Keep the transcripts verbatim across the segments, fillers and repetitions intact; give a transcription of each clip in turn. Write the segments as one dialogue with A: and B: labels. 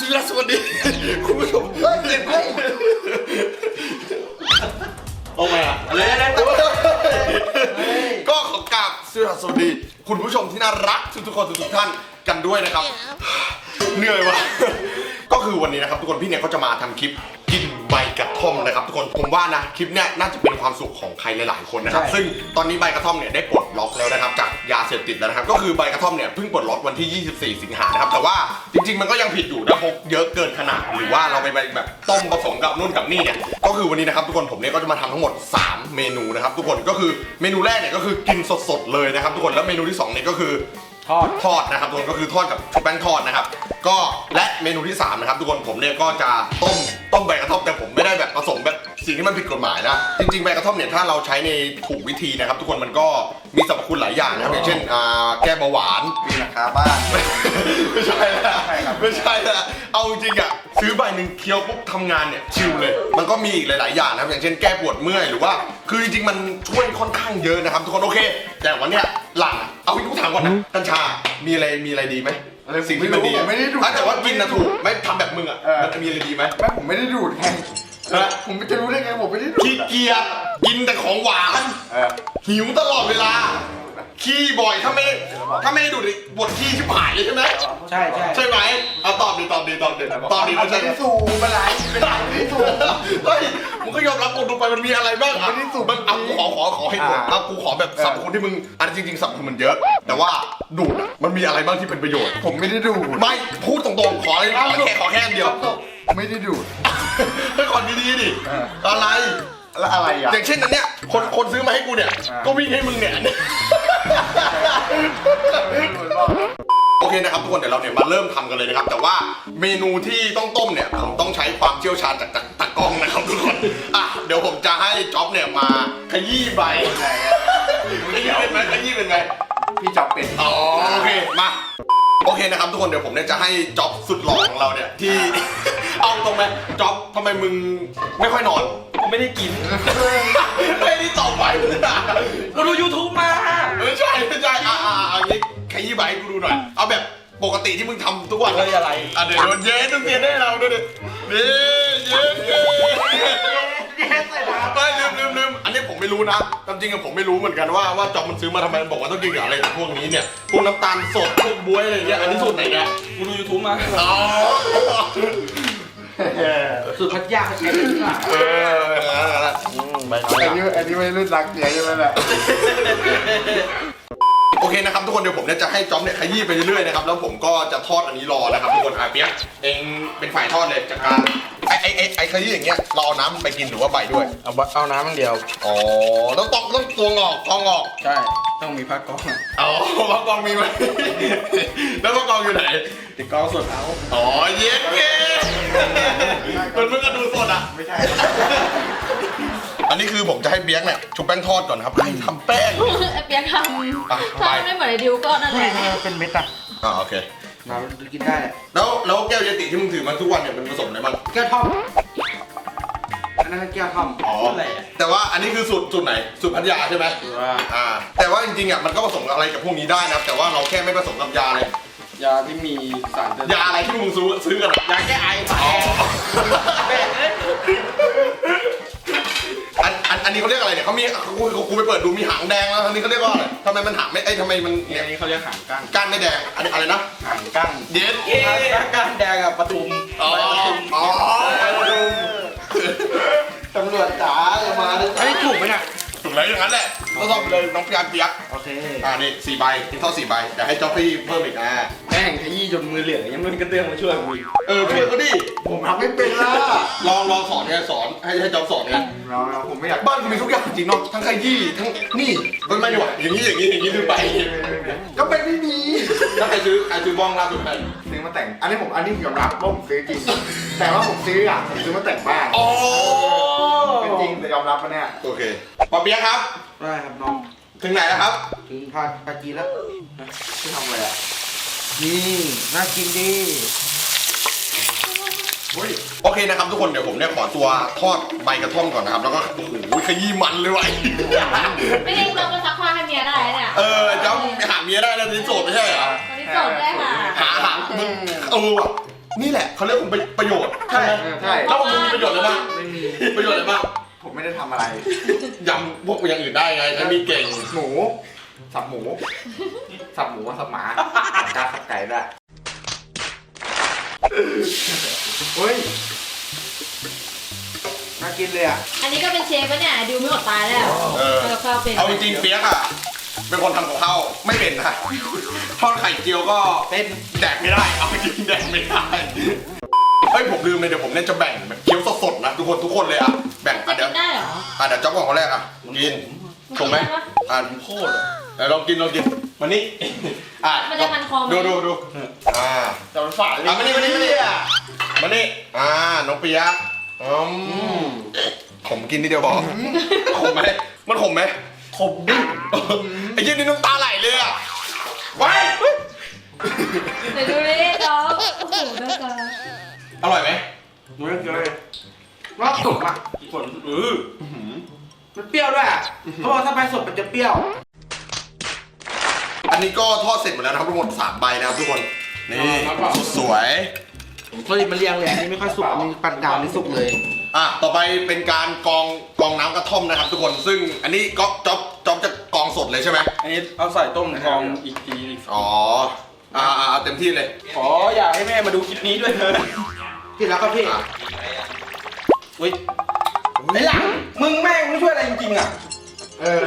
A: สวัสดีคุณผู้ชมเฮ้ยเฮ้ยโอ้ยอะเลยนะก็ขอกราบสวัสดีคุณผู้ชมที่น่ารักทุกๆคนทุกท่านกันด้วยนะครับเหนื่อยวะก็คือวันนี้นะครับทุกคนพี่เนี่ยเขาจะมาทำคลิปกินใบกระท่อมนะครับทุกคนผมว่านะคลิปเนี้ยน่าจะเป็นความสุขของใครหลายๆคนนะครับซึ่งตอนนี้ใบกระท่อมเนี่ยได้ปลดล็อกแล้วนะครับจากยาเสพติดแล้วนะครับก็คือใบกระท่อมเนี่ยเพิ่งปลดล็อกวันที่ยี่สิบสี่สิงหานะครับแต่ว่าจริงๆมันก็ยังผิดอยู่นะพกเยอะเกินขนาดหรือว่าเราไปแบบต้มผสมกับนู่นกับนี่เนี่ยก็คือวันนี้นะครับทุกคนผมเนี่ยก็จะมาทำทั้งหมดสามเมนูนะครับทุกคนก็คือเมนูแรกเนี่ยก็คือกินสดๆเลยนะครับทุกคนแล้วเมนูที่สองเนี่ยก็คือทอดทอดนะครับทุกคนก็คือทอดกับชุบแป้งทอดนะครับก็และเมนูที่สามนะครับทุกคนผมเนี่ยก็จะต้มต้มใบกระท่อมแต่ผมไม่ได้แบบผสมแบบสิ่งที่มันผิดกฎหมายนะจริงๆใบกระท่อมเนี่ยถ้าเราใช้ในถูกวิธีนะครับทุกคนมันก็มีสรรพคุณหลายอย่างนะครับอย่างเช่นอ่าแก้เบาหวาน
B: มีราคาบ้าน
A: ไม่ใช่ละไม่ใช่ละเอาจริงอ่ะซื้อใบหนึ่งเคี้ยวปุ๊บทำงานเนี่ยชิลเลยมันก็มีอีกหลายๆอย่างนะครับอย่างเช่นแก้ปวดเมื่อยหรือว่าคือจริงๆมันช่วยค่อนข้างเยอะนะครับทุกคนโอเคแต่วันเนี้ยหลังเอาพี่กูถามก่อนนะกัญชามีอะไรมีอะไรดีไหมสิ่งที่มันดี
B: ไม่ได้ดูด
A: แต่ว่ากินนะถูกไม่ทำแบบมึงอ่ะมันจะมีอะไรดีไหม
B: แม่ผมไม่ได้ดูดไงผมจะรู้ได้ไงผมไม่ได้ดูด
A: ขี้เกียจกินแต่ของหวานหิวตลอดเวลาขี้บ่อยถ้าไม่ถ้าไม่ได้ดูดปวดขี้ชิบหายเลยใช่ไหม
B: ใช่ใช่
A: ใช่ไหมเอาตอบดีตอบดีตอบดีตอบดี
B: มันใช่สูบมันไหลเป็นไหลไม่สูบ
A: เฮ้ยมึงก็ยอมรับกูดูไปมันมีอะไรบ้างอ่ะ
B: ไม่ได้สูบ
A: มันเอากูขอขอขอให้ดูเอากูขอแบบสับคนที่มึงอันจริงๆสับคนมันเยอะแต่ว่าดูดมันมีอะไรบ้างที่เป็นประโยชน์
B: ผมไม่ได้ดูด
A: ไม่พูดตรงๆขอเลยขอแค่ขอแค่เดียว
B: ไม่ได้ดูด
A: ให้ขอดีๆดิอะไร
B: แล้วอะไรอ่ะ
A: อย่างเช่นนั้นเนี่ยคนคนซื้อมาให้กูเนี่ยก็วิ่งให้มึงเนี่ยโอเคนะครับทุกคนเดี๋ยวเราเนี่ยมาเริ่มทำกันเลยนะครับแต่ว่าเมนูที่ต้องต้มเนี่ยผมต้องใช้ความเชี่ยวชาญจากตากล้องนะครับทุกคนอ่ะเดี๋ยวผมจะให้จ๊อบเนี่ยมาขยี้ใบขยี้เป็นไหมขยี้เป็นไหม
B: พี่จ๊อบเป็น
A: อ๋อโอเคมาโอเคนะครับทุกคนเดี๋ยวผมเนี่ยจะให้จ๊อบสุดหล่อของเราเนี่ยที่เอาตรงไหมจ๊อบทำไมมึงไม่ค่อยนอน
C: ผมไม่ได้กิน
A: ไม่ได้ตอบไป
C: กูดู ยูทูบ มา
A: ไม่ใช่ไม่ใช่อ่าอ่าอันนี้ขยี้ใบกูดูหน่อยเอาแบบปกติที่มึงทำทุกวัน
C: เลยอะไร
A: อ่ะเดี๋ยวโดนเย้ต้องเตียนได้เราด้วยดินี่เย้เย้ไม่ลืมลืมลืมอันนี้ผมไม่รู้นะตามจริงอะผมไม่รู้เหมือนกันว่าว่าจ๊อบมันซื้อมาทำไมมันบอกว่าต้องกินกับอะไรพวกนี้เนี่ยพวกน้ำตาลสดพวกบ๊วยอะไรเงี้ยอันนี้สูตรไหนเนี่ย
C: กูดู ยูทูบ มา
A: อ๋อ
C: สูตรพัทยาเขาใช้เป็นที่ไหน
A: เออ
B: อันนี้อันนี้ไม่รุ่นรักเดียใช่ไหมล่ะ
A: โอเคนะครับทุกคนเดี๋ยวผมเนี่ยจะให้จ๊อบเนี่ยขยี้ไปเรื่อยๆนะครับแล้วผมก็จะทอดอันนี้รอนะครับทุกคนอาเปียกเองเป็นฝ่ายทอดเลยจากการไอไอไอไอขยี้อย่างเงี้ยเราเอาน้ำไปกินหรือว่าใบด้วย
C: เอาเอาน้ำมันเดียว
A: อ๋อต้องต้องต้องตัวงอกกองงอก
C: ใช่ต้องมีพักกอง
A: อ๋อพักกองมีไหมแล้วพักกองอยู่ไหน
C: ติดกองสดเอา
A: อ๋อเย็นเก้มันเพิ่งกระดูสดอ่ะ
B: ไม่ใช่
A: อันนี้คือผมจะให้เปียกเนี่ยชุบแป้งทอดก่อนครับให้ทำแป้ง
D: เปียกทำทำไม่เหมือนไอ้ดิวก็นั่นแหละ
B: เป็นเม็ดอ่ะ
A: อ่าโอเค
C: มากินได้
A: แล้วแล้วแก้วเยติที่มึงถือมาทุกวันเนี่ยมันผสมอะไรบ้าง
C: แก้วท่อมอันนั้นแก้วท่อม
A: อ๋อแต่ว่าอันนี้คือสูตรสูตรไหนสูตรพัทยาใช่ไหมอ่าแต่ว่าจริงๆอ่ะมันก็ผสมอะไรกับพวกนี้ได้นะแต่ว่าเราแค่ไม่ผสมกับยาเลย
C: ยาที่มีสาร
A: ยาอะไรที่มึงซื้อซื้อกัน
C: ยาแก้ไอ
A: อันอันอันนี้เขาเรียกอะไรเนี่ยเขามีกูกูไปเปิดดูมีหางแดงแล้วอันนี้เขาเรียกว่าอะไรทำไมมันหางไม่ไอ้ทำไมมัน
C: เนี่ยนี้เขาเรียกหางก้าง
A: ก้านไม่แดงอันนี้อะไรนะ
C: หางก้าง
A: เด็ด
C: ก้านแดงกับปทุม
A: อ๋ออ๋อปทุม
B: ตำรวจจ๋าจะมาเลย
C: ไอ้ถูกไหมเนี่ย
A: ถูกแล้วอย่างนั้นแหละต้องต้องเลยน้องพยานเปียก
C: โอเค
A: อ่านี่สี่ใบที่เท่าสี่ใบเดี๋ยวให้จ๊อบพี่เพิ่มอีกอ่ะ
C: แม่งขยี้จนมือเหลืองยังไม่มีกระเตื้องมาช่วยกู
A: เออช่วยก็ดิ
B: ผมทำไม่เป็นล่ะ
A: ลองลองสอนเนี่ยสอนให้ให้จ๊อบสอนเนี่ย
B: เราเราผมไม่อยาก
A: บ้านกูมีทุกอย่างจริงเนาะทั้งขยี้ทั้งนี่มันไม่ดีกว่าอย่างนี้อย่างนี้อย่างนี้ลืมไป
B: ก็เป็นไม่มี
A: ถ้าใครซื้อใครซื้อบ้องล่าสุดใคร
B: ซื้อมาแต่งอันนี้ผมอันนี้ยอมรับว่าผมซื้อจริงแต่ว่าผมซื้ออ่ะผมซื้อมาแต่งบ้าน
A: อ๋อ
B: เป็นจริงแต่ยอมรับมาเนี่ย
A: โอเคปอเปี๊ยกครับ
C: ได้ครับน้อง
A: ถึงไหนแล้วครับ
C: ถึงพาปาจีแล้วจะทำอะไรอ่ะนี่น่ากินดี
A: โอเคนะครับทุกคนเดี๋ยวผมเนี่ยขอตัวทอดใบกระท่อมก่อนนะครับแล้วก็โอ้โหขยี้มันเลยว่ะ
D: ไม่ได้เราก็ซักผ้าให้เมียได้เนี่ย
A: เออเจ้ามึงไปหาเมียได้แล้วนี่โสดไม่ใช่เหรอ
D: ตอนนี้โสดได้ค่ะ
A: หาหามึงเออว่ะนี่แหละเขาเรียกคุณประโยชน์ใช่ไหม
B: ใช่
A: แล้วผมมีประโยชน์อะไรบ้าง
B: ไม่มี
A: ประโยชน์อะไรบ้าง
B: ผมไม่ได้ทำอะไร
A: ยำพวกอย่างอื่นได้ไงใช้มีเก่ง
B: หมู สับหมู สับหมูสับหมาสับกาสับไก่ได้เฮ้ย น่ากินเลยอ่ะ
D: อันนี้ก็เป็นเชฟปะเนี่ยดิวไม่อดตายแล้ว
A: เออ
D: เออข้าวเป็น
A: เอาจริงๆเปียกอะเป็นคนทำกับข้าวไม่เป็นนะทอดไข่เจียวก็เป็นแดกไม่ได้เอาจริงแดกไม่ได้เฮ้ยผมลืมเลยเดี๋ยวผมเนี่ยจะแบ่งแบบเคี้ยวสดๆนะทุกคนทุกคนเลยอะแบ่ง
D: จะ
A: อ่ะเดี๋
D: กิ
A: ยวน
D: ได้เหรอ
A: อ่ะเดี๋ยวจ๊อบก่อนคนแรกอะกินถูกไหมอ่ะโคตรเดี๋ยวลองกินลองกินมานี่อ่ะ
D: มันจะพันคอไหม
A: ดูดูดูอ่า
B: แต่มันฝาดเลย
A: อ่ะมานี่มานี่มานี่มานี่อ่าน้องเปียกอืมผมกินนิดเดียวพอขมไหมมันขมไหม
C: ขมดิ
A: ไอ้ยี่นี่น้ำตาไหลเลยอ่ะไว้
D: เดี๋ยวดูดิน้องโอ้โหน่าจะ
A: อร่อยไหม
B: เมื่อกี้เลยรอบสุกอ่ะ
C: ฝนเออมันเปรี้ยวด้วยอ่ะเขาบอกถ้าไปสดมันจะเปรี้ยว
A: อันนี้ก็ทอดเสร็จหมดแล้วนะครับทุกคนสามใบนะครับทุกคนนี่สวย
C: เฮ้ยมันเรียงเลยอันนี้ไม่ค่อยสุกอันนี้ปานกลางนี่สุกเลย
A: อ่ะต่อไปเป็นการกรองกรองน้ำกระท่อมนะครับทุกคนซึ่งอันนี้ก็จ๊อบจ๊อบจะกรองสดเลยใช่ไหม
E: อันนี้เอาใส่ต้มกองอีกทีอีก
A: อ๋ออ่าอ่าเอาเต็มที่เลย
E: ขออยากให้แม่มาดูคลิปนี้ด้วยเถอะ
C: พี่แล้วก็พี่
A: อ่ะ
E: อุ้ยไอ้หลังมึงแม่งไม่ช่วยอะไรจริงๆอ่ะ
B: เออ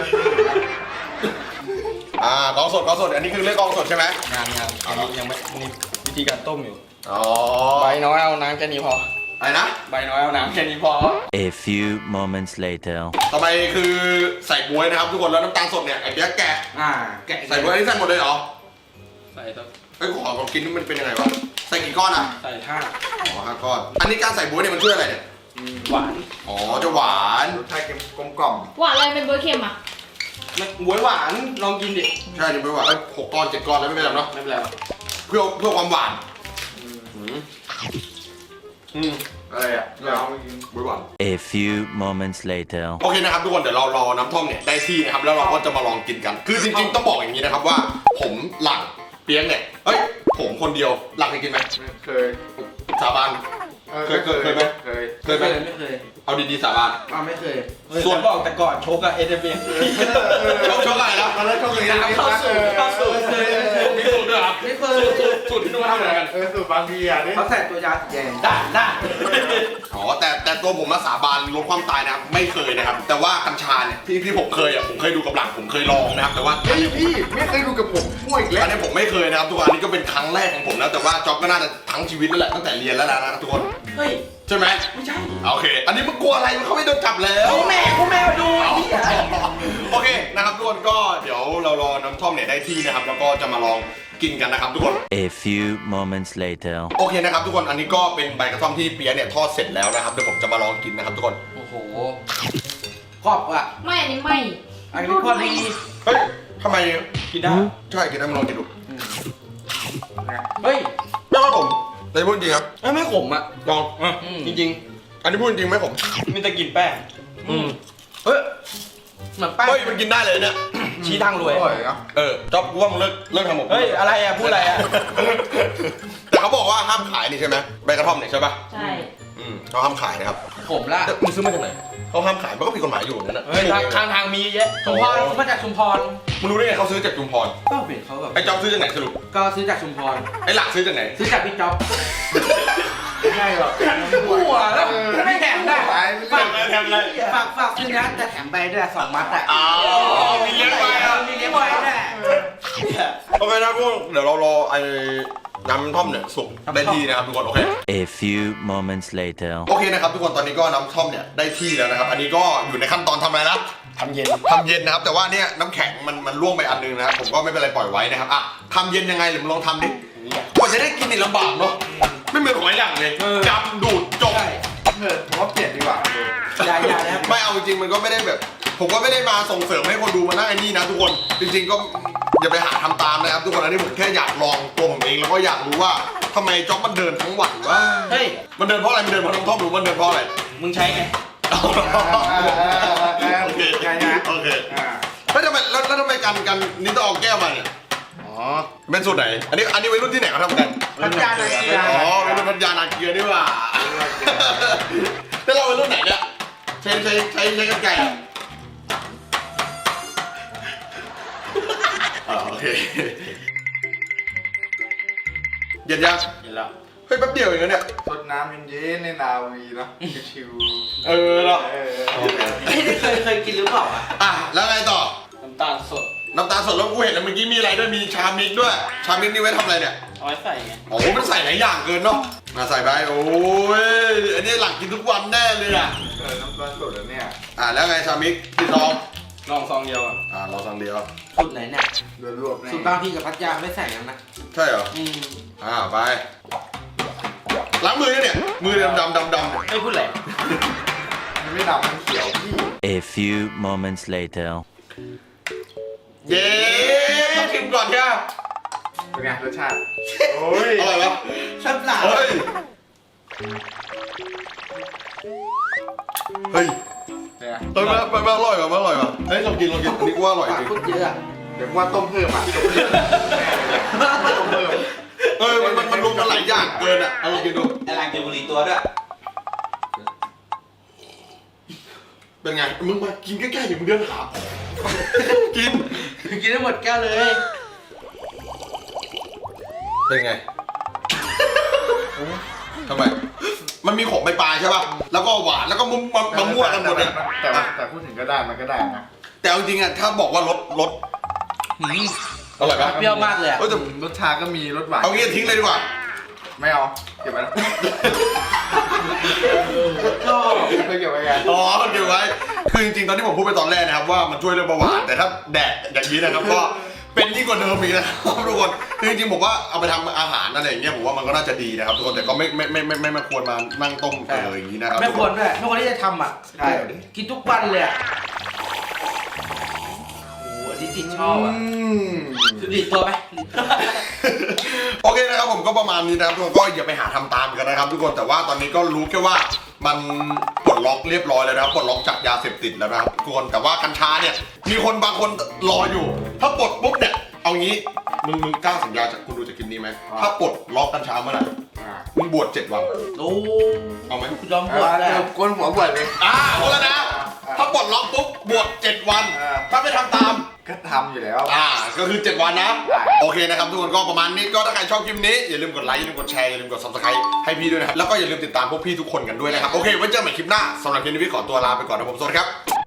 A: อ่ากรองสดกรองสดอันนี้คือเรื่องกรองสดใช่ไหม
E: งานงานอันนี้ยังไม่นี่วิธีการต้มอยู่
A: อ๋อ
E: ใบน้อยเอาน้ำแค่นี้พอ
A: อะไรนะ
E: ใบน้อยเอาน้ำแค่นี้พอ
F: A few moments later.
A: ต่อไปคือใส่บ๊วยนะครับทุกคนแล้วน้ำตาลสดเนี่ยไอ้เปี๊ยกแกะ
C: อ่าแกะ
A: ใส่บ๊วยอันนี้ใส่หมดเลยเหรอ
E: ใส่สัก
A: ไอ้ยขอลองกินนี่มันเป็นยังไงวะใส่กี่ก้อนอ่ะ
E: ใส่ห้า
A: อ๋อห้าก้อน อันนี้การใส่บ๊วยเนี่ยมันช่วยอะไรเนี่ย
E: หวาน
A: อ๋อจะหวาน
B: รสชาติกลมกล่อม
D: หวานอะไรเป็นเบอร์เค็มอ่ะ
E: ไม่บวยหวานลองกินดิ
A: ใช่ดิบ๊วยหวานเอ้ยหกก้อนเจ็ดก้อนแล้วไม่เป็นไรเนาะ
E: ไม่เป็นไร
A: เพื่อเพื่อความหวาน
B: อืม
A: อืมอืม
B: อะไรอ่ะเราเอาไปกิน
A: บ๊วยหวาน
F: A few moments later.
A: โอเคนะครับทุกคนเดี๋ยวเรารอน้ำท่อมเนี่ยได้ที่นะครับแล้วเราก็จะมาลองกินกัน คือจริงๆต้องบอกอย่างนี้นะครับว่า ผมหลังเปียงเนี่ยเอ้ยผมคนเดียวหลังเคยกินไหม
B: เคย
A: สาบาน
B: ออ
A: เคยเคยเคยไหม
B: เคย
A: เคยไหม
C: ไม่เคย
A: เอาดีๆสาบาน
C: อ่าไม่เคย
E: ส่
A: ส่
E: ว
A: วน น
E: บอกแต่ก่อนโชกอะเอเดเบีย
A: ชอบชอบอะไรนะ
B: ตอนแรกก็เคย
E: เข้าสู่เข้าสู่เคย
A: มีสูตรด้วยเหรอ
C: ไม่เคย
A: สูตรที่นู่นทำอะไรกัน
B: เออสูตรบางทีอ่ะนี่
C: เขาใส่ตัวยาสีแดง
E: ได้ได้
A: อ๋อแต่แต่ตัวผมมาสาบานลดความตายนะครับไม่เคยนะครับ แต่ว่ากัญชาเนี่ยที่ที่ผมเคยอ่ะผมเคยดูกับหลังผมเคยลองนะครับแต่ว่า
B: เฮ้ยพี่ไม่เคยดูกับผมมั่วอีกแล้ว
A: อันนี้ผมไม่เคยนะครับทุกคนอันนี้ก็เป็นครั้งแรกของผมแล้วแต่ว่าจ็อบก็น่าจะทั้งชีวิตแล้วแหละตั้งแต่เรียนแล้วนะทุกคน
E: เฮ้ย
A: ใช่ไหม
E: ไม่ใช่
A: โอเค อันนี้มึงกลัวอะไรมึงเขาไม่โดนจับแล้ว
E: กูแม่กูแม่มาดูไอ้เหี้ย
A: โอเคนะครับทุกคนก็เดี๋ยวเรารอน้ำท่อมเนี่ยได้ที่นะครับแล้วก็จะมาลองกินกันนะครับทุกคน
F: A few moments later.
A: โอเคนะครับทุกคนอันนี้ก็เป็นใบกระท่อมที่เปียะเนี่ยทอดเสร็จแล้วนะครับเดี๋ยวผมจะมาลองกินนะครับทุกคน
C: โอ้โหกรอบอ่ะ
D: ไม่อันนี้ไม่
C: อันนี้พอดี
A: เฮ้ยทำไม
E: กินได้
A: ใช่กินได้มาลองกินดู
E: เฮ้ย
A: ไม่ว่าผมแต่พูดจริงครับ
E: เอ้ยไม่ขมอ่ะ
A: ลอง
E: อ่ะจริง
A: อันนี้พูดจริงไหมผม
E: ๆมีแต่กลินแป้ง
A: อืม
E: เฮ้ยเหมือนแป้ง
A: เฮ้ยมันกินได้เลยเนี่ย
E: ชี้ทางรวย
B: อร่อยเนาะ
A: เออจ๊อบกูว่ามึงเลิกเลิกทำหมก
E: เฮ้ยอะไรอ่ะพูดอะไรอ่ะ
A: แต่เขาบอกว่าห้ามขายนี่ใช่ไหมใบกระท่อมเนี่ยใช่ป่ะ
D: ใช่
A: อืมเขาห้ามขายนะครับ
C: ผมละ
A: แต่มึงซื้อมาจากไหนเขาห้ามขายมันก็ผิดกฎหมายอยู่เหมือนกันนะ
E: เฮ้ยทางทางทางมีเยอะ
C: ชุมพรมาจากชุมพร
A: มึงรู้ได้ไงเขาซื้อจากจุมพร
C: ก็เห็นเขาแบบ
A: ไอ้จ๊อบซื้อจากไหนสรุป
C: ก็ซื้อจากชุมพร
A: ไอ้หลักซื้อจากไหน
C: ซื้อจากพี่จ๊อบ
B: ไม่ใช่หรอก
C: หัวแล้วไม่แถมได้
B: ไป
C: ฝาก
A: แถมอะไร
C: ฝากฝากซื้อนะแต่แถมใบด้วยสองมัดอ่ะ
A: อ้าวมีเลี้ยงไว้อะ
C: มีเลี้ยงไว้ด้วย
A: โอเคนะพวกเดี๋ยวเรารอไอ้น้ำท่อมเนี่ยสุกได้ที่นะครับทุกคนโอเค
F: A few moments later.
A: โอเคนะครับทุกคนตอนนี้ก็น้ำท่อมเนี่ยได้ที่แล้วนะครับ อันนี้ก็อยู่ในขั้นตอนทำอะไรนะ
E: ทำเย็น
A: ทำเย็นนะครับ แต่ว่าเนี่ยน้ำแข็งมันมันร่วงไปอันนึงนะครับผมก็ไม่เป็นไรปล่อยไว้นะครับอ่ะทำเย็นยังไงหรือมึงลองทำดิกว่าจะได้กินนี่ลำบากเนาะไม่เหมือนหอยหลังเลยจำดูดจบ
B: เออผมว่าเปลี่ยนดีกว่า
C: อย่าอย่านะครับ
A: ไม่เอาจริงๆมันก็ไม่ได้แบบ ผมก็ไม่ได้มาส่งเสริมให้คนดูมานั่งไอ้นี่นะทุกคนจริงๆก็อย่าไปหาทำตามนะครับทุกคนอันนี้ผมแค่อยากลองตัวผมเองแล้วก็อยากรู้ว่าทำไมจ็อบมันเดินทั้งวันวะ
E: เฮ้ย
A: มันเดินเพราะอะไรมันเดินเพราะน้ำท่อมหรือมันเดินเพราะอะไร
E: มึงใช้ไง
A: โอเค
B: ไงนะ
A: โอเค
B: อ่า
A: แล้วทำไมแล้วแล้วทำไมกันกันนี่ต้องเอาแก้วมาเนี่ย
C: อ๋อ
B: อ๋อ
A: เป็นสูตรไหน อันนี้อันนี้วัยรุ่นที่ไหนเขาทำกัน
B: พัทยานาเกีย
A: อ๋อวัยรุ่นพัทยานาเกียนี่หว่าแล้วเราวัยรุ่นไหนเนี่ยใช้ใช้ใช้ใช้กันไก่อะอ๋อโอเคเย็นยัง
E: เห็นแล้ว
A: เฮ้ยแป๊บเดียวเองนะเนี่ย
B: สดน้ำเย็นๆในนาวีเนาะชิว
A: เออเนาะ
B: ๆเออ
A: โอเค
C: นี่เคยเคยกินหรือเปล่าอ่ะ
A: อ่ะแล้วไงต่อ
E: น้ำตาลสด
A: น้ำตาลสดแล้วกูเห็นแล้วเมื่อกี้มีอะไรด้วยมีชามิกด้วย ชามิกนี่ไว้ทำอะไรเนี่ย
E: เอาไว้ใส่ไง
A: โอ้โหมันใส่หลายอย่างเกินเนาะมาใส่ไปโอ้ยอันนี้หลังกินทุกวันแน่เลยอ่ะ
B: เออน้ำตาลสดแล้วเนี่ย
A: อ่ะแล้วไงชามิกที่ซอง
E: ลองซองเดียวอ่ะ
A: อ่ะเราซองเดียว
C: สูตรไหนเนี่ย
B: รวบๆแน่
C: สูตรบางพี่กับพัทยาไม่ใส่กันนะ
A: ใช่เหรอ
C: อืม
A: อ่าไปล้างมือเนี่ยมือดำดำดำๆ
E: ไม่พูดแหละ
B: มันไม่ดำมันเขียวพี่
F: A few moments later.
A: เย้ต้องชิมก่อนใช่ไหม
B: เป็นไงรสชาติโอ้ย
A: อร่อยปะ
C: ชับหลา
A: เฮ้ยเฮ้ย
B: เป็นไง
A: เฮ้ยมันมันมันอร่อยป่ะมันอร่อยป่ะเฮ้ยลองกินลองกินอันนี้กูว่าอร่อย
C: ปาก
A: จริง
C: พูดเยอะอะ
B: เดี๋ยวว่าต้มเพิ่มอ่ะต้มเพิ่มแน่เลยต้มเพิ่ม
A: เออมันมันมันรวมกันหลายอย่างเกินอ่ะเอาลองกินดู
C: ไอ้หลังกินบุหรี่ตัวด้วย
A: เป็นไงมึงมากินใกล้ๆอย่ามึงเดินหากิน
C: กินได้หมดแก้วเลย
A: เป็นไงทำไมมันมีของปลายๆใช่ป่ะแล้วก็หวานแล้วก็มุมมามามั่วกันหมดเลย
B: แต่แต่แต่พูดถึงก็ได้มันก็ได้นะ
A: แต่เอาจริงๆอ่ะถ้าบอกว่ารสรส
C: หืม
A: อร่อยปะ
C: เปรี้ยวมากเลยอะ
A: เออแต่
B: รสชาติก็มีรสหวาน
A: เอางี้ทิ้งเลยดีกว่า
B: ไม่เอาเก็บไว้นะ
C: ชอบ
B: เคยเก็บไว้ไง
A: อ๋อเก็บไว้ คือจริงๆ ตอนที่ผมพูดไปตอนแรกนะครับว่ามันช่วยเรื่องเบาหวาน แต่ถ้าแดดอย่างนี้นะครับก็เป็นยิ่งกว่าเดิมอีกนะครับทุกคน คือจริงๆผมว่าเอาไปทำอาหารอะไรอย่างเงี้ยผมว่ามันก็น่าจะดีนะครับทุกคน แต่ก็ไม่ไม่ไม่ไม่ไม่ไม่ควรมานั่งต้มเอออย่างนี้นะครับ
C: ไม่ควรด้วยไม่ควรที่จะทำอ่ะ
B: ใช่
C: กินทุกวันเลยอ่ะโอ้โหอันนี้จิตชอบอ่ะ
A: อืม
C: คือดีดตัวไหม
A: โอเคนะครับผมก็ประมาณนี้นะครับทุกคนก็อย่าไปหาทำตามกันนะครับทุกคนแต่ว่าตอนนี้ก็รู้แค่ว่ามันปลดล็อกเรียบร้อยแล้วนะครับปลดล็อกจากยาเสพติดแล้วนะครับทุกคนแต่ว่ากัญชาเนี่ยมีคนบางคนรออยู่ ถ้าปลดปุ๊บเนี่ยเอางี้มึงมึงกล้าสัญญาจากคุณดูจากคลิปนี้ไหมถ้าปลดล็อกกัญชาเมื่อไหร่
B: อ่า
A: มึงบวชเจ็ดวัน
C: โอ้
A: เอาไหม
C: ยอมบวชเลย
B: เดี๋ยวก้นหัวบวชเลย
A: อ่าเอาแล้วนะถ้าปลดล็อกปุ๊บบวชเจ็ดวัน
B: อ่า
A: ถ้าไม่ทำตาม
B: ก็ทำอยู่แล้ว
A: อ่าก็คือเจ็ดวันนะ
B: ได้
A: โอเคนะครับทุกคนก็ประมาณนี้ก็ถ้าใครชอบคลิปนี้อย่าลืมกดไลค์อย่าลืมกดแชร์อย่าลืมกด ซับสไครบ์ ให้พี่ด้วยนะครับแล้วก็อย่าลืมติดตามพวกพี่ทุกคนกันด้วยนะครับโอเคไว้เจอกันใหม่คลิปหน้าสำหรับคลิปนี้พี่ขอตัวลาไปก่อนนะผมสวัสดีครับ